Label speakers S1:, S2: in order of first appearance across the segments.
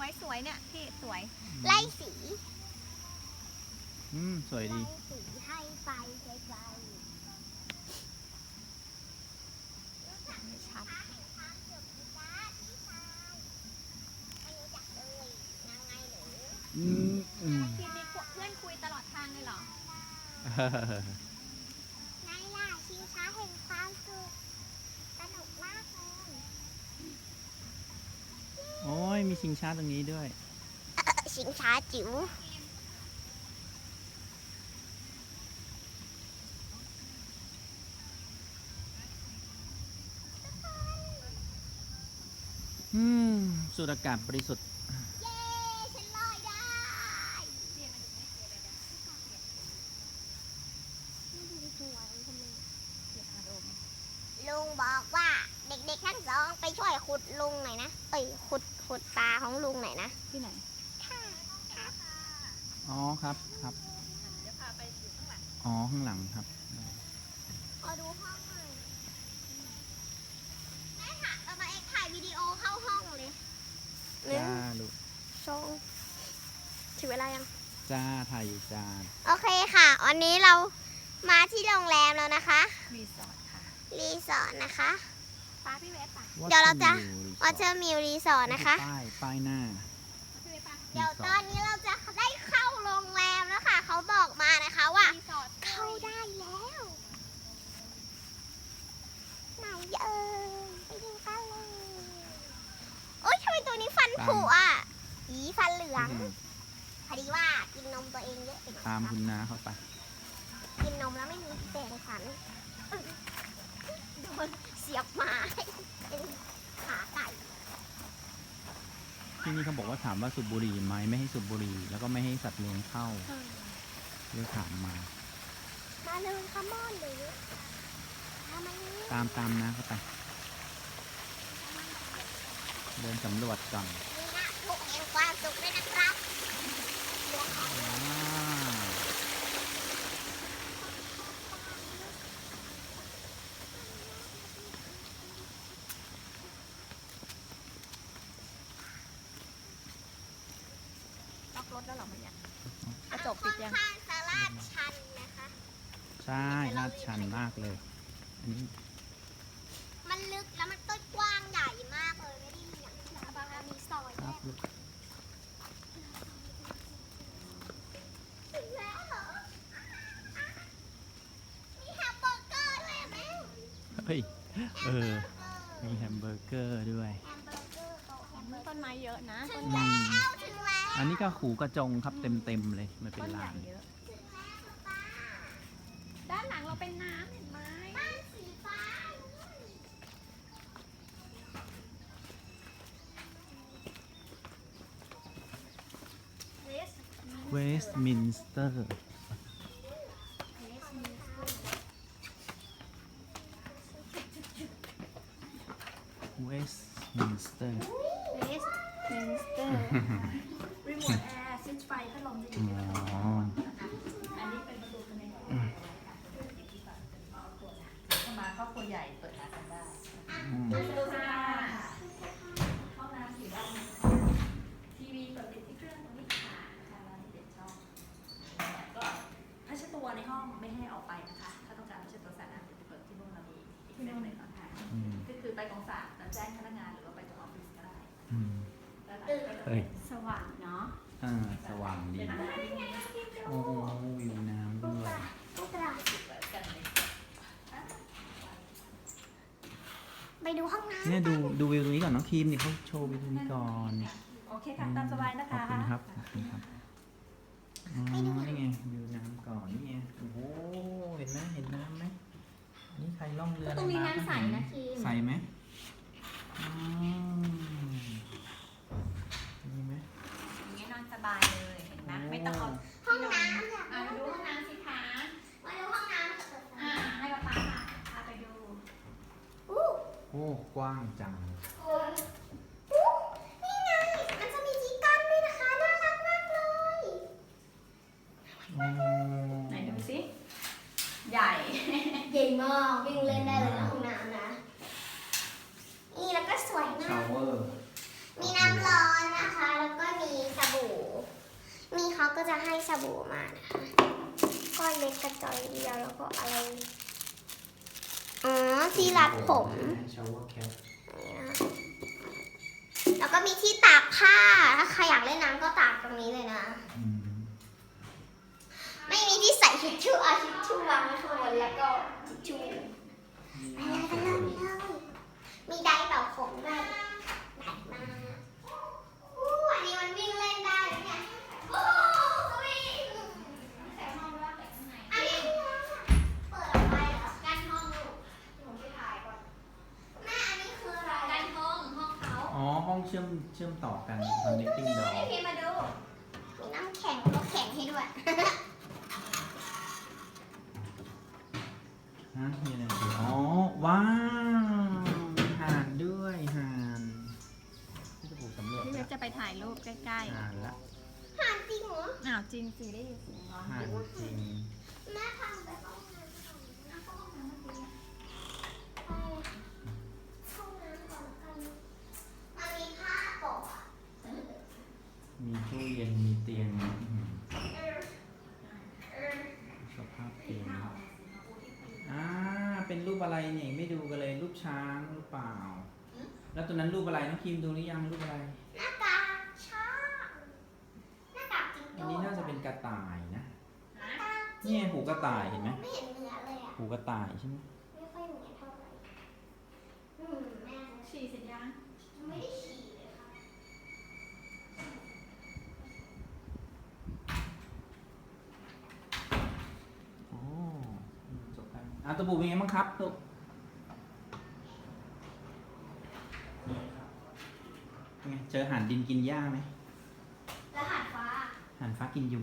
S1: สวยเนี่ยพี่สวย
S2: ไล่สี
S3: สวยดี
S2: ไล่สีให้ไปไกล
S1: ไม่ชัด
S2: ๆเห็นความสุขดีจ้าพี่ชายไม่รู้จักเลยนางไงหรือ
S1: พี่มีเพื่อนคุยตลอดทางเลยเหรอ
S2: ไงล่ะชิงช้าแห่งความสุขสนุกมากเลย
S3: โอ้ยมีชิงช้าตรงนี้ด้วย
S2: ชิงช้าจิ๋ว
S3: สูดอากาศบริสุทธิ์
S2: เย้ฉันลอยได้ลุงบอกว่าเด็กๆทั้งสองไปช่วยขุดลุงหน่อยนะขุดตาของลุงหน่อยนะ
S1: ที่ไหน
S2: ค่ะครับ
S3: อ๋อครับ
S1: เดี๋ยวพาไปอยู่ข้างหลัง
S3: อ๋อข้างหลังครับ
S2: ขอดูห้องหน่อยแม่ค่ะเอามาเอ็กถ่ายวิดีโอเข้าห้องเลยหนึ่ง
S3: จ้าลูก
S2: สองถึงเวลายัง
S3: จ้าถ่ายอยู่จ้า
S2: โอเคค่ะ วันนี้เรามาที่โรงแรมแล้วนะคะ
S1: รีสอร์ทค่ะ
S2: รีสอร์ทนะคะ
S1: ป้าพี่เวสป่ะ
S2: เดี๋ยวเราจะ วอ
S3: ว่า
S2: เตอร์มิลรีสอร์ทนะคะ
S3: ป้ายหน้า
S1: พี่เวสป่ะ
S2: เดี๋ยวตอนนี้เราจะได้เข้าโรงแรมแล้วค่ะ เขาบอกมานะคะว่า
S1: รีสอร์ท
S2: เข้าได้แล้วไหนเอ่ยไปดูกันเลยโอ๊ยทำไมตัวนี้ฟันผุอ่ะอีฟันเหลืองพอดีว่ากินนมตัวเองเยอะไปหน่อย
S3: ตาม
S2: ครับ
S3: คุณน้าเข้าไป
S2: กินนมแล้วไม่มีแปรงฟันโดนเสียบไม้เป็นขาไก่
S3: ที่นี่เขาบอกว่าถามว่าสูบบุหรี่ไหมไม่ให้สูบบุหรี่แล้วก็ไม่ให้สัตว์เลี้ยงเข้าเลยถามมา
S2: มาเลยคัมมอนเลยทำไมนี้
S3: ตามนะเข้าไป เดินสำรวจก่อน
S2: มีหน้าทุกแห่งความสุขด้วยนะครับเลี้ยงของ
S3: ว้าว
S1: ล็อกรถแล้วเหรอมันเนี่ยกระจกปิดยัง
S2: ข้างๆสาราชันนะคะ
S3: ใช่ลาดชันมากเลย อันนี้
S2: มันลึกแล้วมันก็กว้างใหญ่มากเลยไม่ได้มีอย่างที่เราบางมีซอย
S3: ค
S2: แย
S3: รับ
S2: ก
S3: ลูก
S2: ถึงแล้วเหรอมีแฮมเบอร์เกอร์ด้วยอะแม่
S3: เฮ้ย มีแฮมเบอร์เกอร์ด้วย
S2: แฮมเบอร์เกอร์โต๊ะแฮมเบอร์เกอร์
S1: ต้นไม้เยอะนะ
S2: ถึ
S1: ต้
S2: ง
S1: นใหญ่
S2: แล้วถึงแล้ว
S3: อันนี้ก็ขู่กระจงครับเต็มเลยมันเป็น
S1: ต้นให
S3: ลา
S1: ญ่
S3: น
S1: เยอะ
S2: ถึงแล้วป้า
S1: ด้านหลังเราเป็นน้ำเห็นไหม
S2: บ้านสีฟ้า
S3: เวสต์มินสเตอร์ เวสต์มินสเตอร์
S1: เวสต์มินสเตอร์รีโมทแอร์สวิตช์ไฟพัดลมจะอยู่
S3: อ๋อ
S1: อันนี้เป็นประตูภายในเข้ามาครอบครัวใหญ่เปิดหากันได้ ดูค่ะห้องน้ำอยู่ด้านนี้ทีวีเปิดติดที่เครื่องตรงนี้ค่ะทางร้านที่เด็ดชอบก็ผ้าเช็ดตัวในห้องไม่ให้ออกไปนะคะ ถ้าต้องการผ้าเช็ดตัวสะอาดจะเปิดที่นู่นเรามีอีกเซตหนึ่งค่ะ ก็คือไปกองสลากแล้วแจ้งพนักงานหรือว่าไปตรงออฟฟิศก็ได้แล้วหลังก็จะ
S3: เฮ้ย
S1: สว่างเนาะ
S3: สว่างดี
S1: เป็นแบบ
S3: โอ้วิวน้ำด้วย
S1: กันเลย
S2: ไปดูห้องน้ำ
S3: เนี่ยดูวิวตรงนี้ก่อนน้องครีมนี่เขาโชว์วิวตรงนี้ก่อน
S1: โอเคค่ะตามสบายนะ
S3: ขอบ
S1: คะ
S3: คุณครับ ขอบคุณครับ อ๋อ นี่ไงวิวน้ำก่อน นี่ไง โอ้โห เห็นไหมเห็นน้ำไหมนี่ใครล่องเรือ
S1: ตรงนี้
S3: ใ
S1: น้ำใสนะครีม
S3: ใสไหมอ๋อมีไหม
S1: อย่างเงี้ยนอนสบายเลยเห็นไหมไม่ต้องเอา
S2: ห้องน้ำอยาก
S1: ไปดูห้องน้ำสิคะ
S2: มาดูห้องน้ำ
S1: ให้ป๊าป๊าพาไปดู
S2: อู้
S3: โอ้ กว้างจัง
S2: นี่ไง มันจะมีที่กั้นด้วยนะคะ น่ารักมากเลย
S3: อ๋อ
S1: ไหนดูสิ ใหญ่
S2: ใหญ่มากวิ่งเล่นได้เลยนะห้องน้ำนะ นี่แล้วก็สวยมา
S3: ชาก วเวอร์
S2: มีน้ำร้อนนะคะ แล้วก็จะให้สบู่มานะคะก้อนเล็กกระจอยเดียวแล้วก็อะไรอ๋อที่รัดผม
S3: ชาวเวอร์แคป
S2: แล้วก็มีที่ตากผ้าถ้าใครอยากเล่นน้ำก็ตากตรงนี้เลยนะ ไม่มีที่ใส่ทิชชู่เอาทิชชู่วางไว้ข้างบนแล้วก็ทิชชู่ไปเลยกันเลยมีไดร์เป่าผมด้วยได้มาอู้อันนี้มันวิ่งเล่นได้เลยเนี่ยโอ้วิ่ง
S1: แต่ห้องว่าแต่ข้างใน
S2: อันนี้เปิดออกไปเหรอ
S1: การห้องลูกผมไปถ่ายก่อน
S2: แม่อันนี้คืออะไร
S1: การห้องเขา
S3: อ๋อห้องเชื่อมต่อกัน connecting door
S1: ให้พี่มาดู
S2: มีน้ำแข็งแล้วก็แข็งให้ด้วย
S3: ฮะมีอะไรอีกอ๋อว้าวมีห่านด้วยห่านที่จะปลูกสำรวจ
S1: พี่เวฟจะไปถ่ายรูปใกล้
S3: ห่านละ
S2: หานจริงเหรอ
S1: ๆอ้าวจริงสิได้ยินเสียงร้อง
S3: ห่านจริง
S2: แม่พาไปห้องน้ำก่อนนะไปห้องน้ำก่อนกันมันมีผ้าโปะอะ
S3: มีตู้เย็นมีเตียงสภาพเตียงเป็นรูปอะไรเนี่ยไม่ดูกันเลยรูปช้างหรือเปล่า แล้วตัวนั้นรูปอะไรน้องคิมดูหรือยังรูปอะไร
S2: หน้ากากช้างหน้ากากจิง
S3: อั
S2: โจ้
S3: นนี้น่าจะเป็นกระต่ายนะ
S2: หน้ากาก
S3: นี่ไงหูกระต่ายเห็นไหม
S2: ไม่เห็นเหนือเลยอ่ะ
S3: หูกระต่ายใช่ไหม
S2: ไม่ค่อยเหนือเท่าไหร่แม่
S1: ฉี่เสร็จยัง
S2: ไม่ได้ฉี่เลยค่ะ
S3: โอ้จบกันตะบูเป็นไงบ้างครับลูกเป็นไงเจอห่านดินกินหญ้าไหม
S2: แล้วหาดฟ้า
S3: ห่านฟ้ากินยุง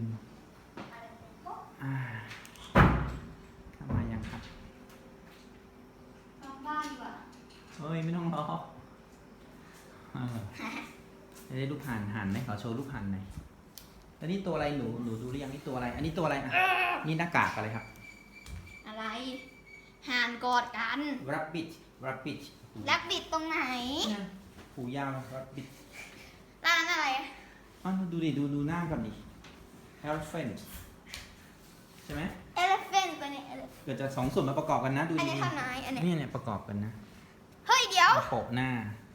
S3: เข้ามายังครับ
S2: นอกบ้านดีกว่า
S3: เฮ้ยไม่ต้องรอได้รูปห่านไหมขอโชว์รูปห่านหน่อยแล้วนี่ตัวอะไรหนูดูหรือยังนี่ตัวอะไร อันนี้ตัวอะไรนี่หน้ากากอะไรครับ
S2: อะไรห่านกอดกัน
S3: rabbit
S2: แล้วบิดตรงไหน
S3: เนี่ยหูยาว rabbit
S2: ร้านอะไร
S3: ดูดิดูหน้าก่อนดิ elephant ใช่ไหม
S2: elephant ตัวนี้
S3: เกิดจะสองส่วนมาประกอบกันนะดู
S2: อัน
S3: ดี
S2: นี้เท่าไหนอันนี้
S3: เนี่ยประกอบกันนะ
S2: เฮ้ยเดี๋ยว
S3: โปะหน้า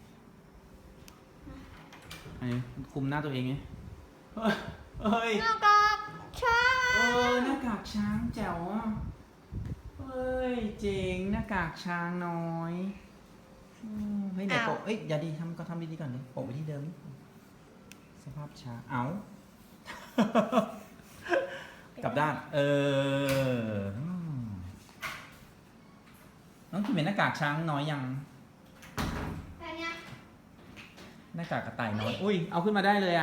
S3: อันนี้คุมหน้าตัวเองไงเฮ้ย
S2: หน้ากากช้า
S3: หน้ากากช้างแจ๋วอ่ะเฮ้ยเจ๋งหน้ากากช้างน้อยเฮ้ยเดี๋ยวโปะอย่าดีทำดีๆก่อนเลยโปะไปที่เดิมนี่สภาพช้างเอา กลับด้านน้องคิดเป็นหน้ากากช้างน้อยยัง
S2: แต่เนี้ย
S3: หน้ากากกระต่ายน้อยอุ้ยเอาขึ้นมาได้เลย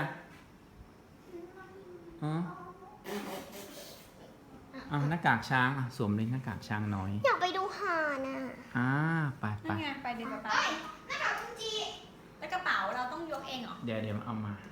S3: หน้ากากช้างสวมเลยหน้ากากช้างน้อย
S2: อยากไปดูห่านอ่ะ
S3: ไป
S1: นั่นไงไปดูกระเป๋า
S2: หน้ากากกุญจี
S1: แล้วกระเป๋าเราต้องยกเองเหรอ
S3: เดี๋ยวเอามา